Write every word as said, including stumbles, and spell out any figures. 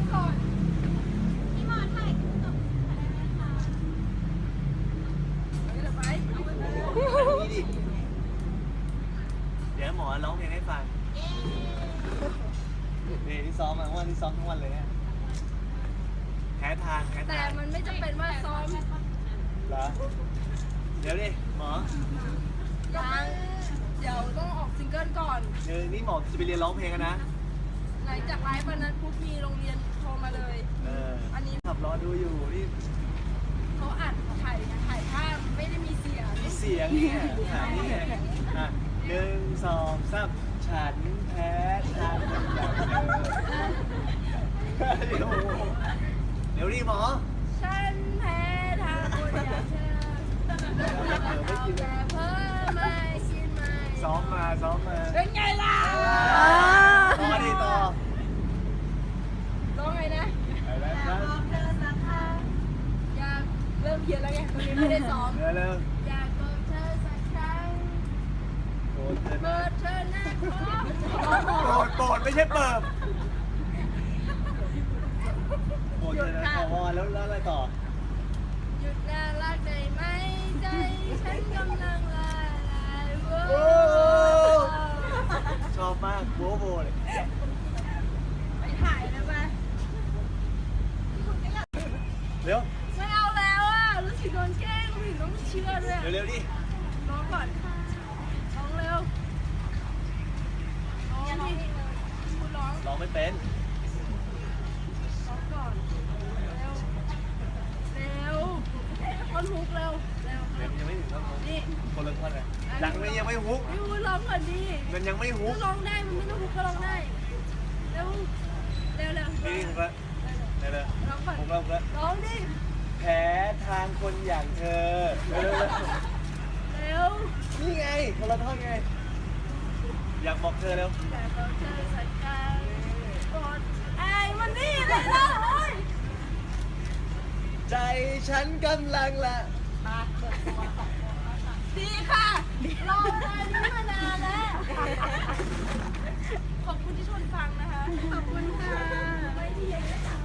ก่อนพี่หมอถ่ายตบเดี๋ยวไปเอาไปนี่ดิเดี๋ยวหมอร้องเพลงให้ฟังนี่ที่ซ้อมมาวันที่ซ้อมทั้งวันเลยเนี่ยแพ้ทางแพ้ทางแต่มันไม่จำเป็นว่าซ้อมเหรอเดี๋ยวดิหมอยังเดี๋ยวต้องออกซิงเกิลก่อนเดี๋ยวนี่หมอจะไปเรียนร้องเพลงกันนะหลังจากไลฟ์วันนั้นปุ๊บมีโรงเรียนโทรมาเลยเอออันนี้ขับรอดูอยู่นี่เขาอัดถ่ายถ่ายภาพไม่ได้มีเสียงมีเสียงเนี่ยถามนี่ไงอ่ะหนึ่งสองสามฉันแพ้ทางอย่างเธอเดี๋ยวดิหมอฉันแพ้ทางคนอย่างเธอเอาแต่เพิ่มไม่คิดไม่ซ้อมมาซ้อมมาเป็นไงล่ะต่อดิต่อร้องไงนะอะไรนะบอกเธอสักครั้งอยากเริ่มเพี้ยนแล้วไงตรงนี้ไม่ได้ซ้อมเร็วอยากบอกเธอสักครั้งโปรดเธอเปิดเธอนะโปรดโปรดไม่ใช่เปิดโปรดเธอนะขอวอนแล้วแล้วอะไรต่อหยุดน่ารักได้ไหมใจฉันกำลังละลายโว้ชอบมากโบโบเลยไปถ่ายได้ไหมเร็วไม่เอาแล้วอ่ะรู้สึกโดนแกล้งรู้สึกต้องเชื่อด้วยเร็วๆดิร้องก่อนร้องเร็วร้องดิคุณร้องร้องไม่เป็นร้องก่อนเร็วเร็วท่อนฮุกเร็วเร็วยังไม่ถึงท่อนฮุกนี่คนละท่อนเลยยังไม่ยังไม่ฮุกพี่วุ้นร้องก่อนดิมันยังไม่ฮุกร้องได้มันไม่ต้องฮุกก็ร้องได้เร็วเร็วเร็วนี่ฮุกละเร็วเร็วร้องก่อนฮุกแล้วฮุกแล้วร้องดิแพ้ทางคนอย่างเธอเร็วเร็วนี่ไงคนละท่อนไงอยากบอกเธอเร็วอยากบอกเธอสักครั้งกอดไอ้มันนี่เลยนะโอ้ยใจฉันกำลังละมาเปิดตัวดีค่ะรอเวลานี้มานานแล้วขอบคุณที่ชวนฟังนะคะขอบคุณค่ะไม่ที่ยัง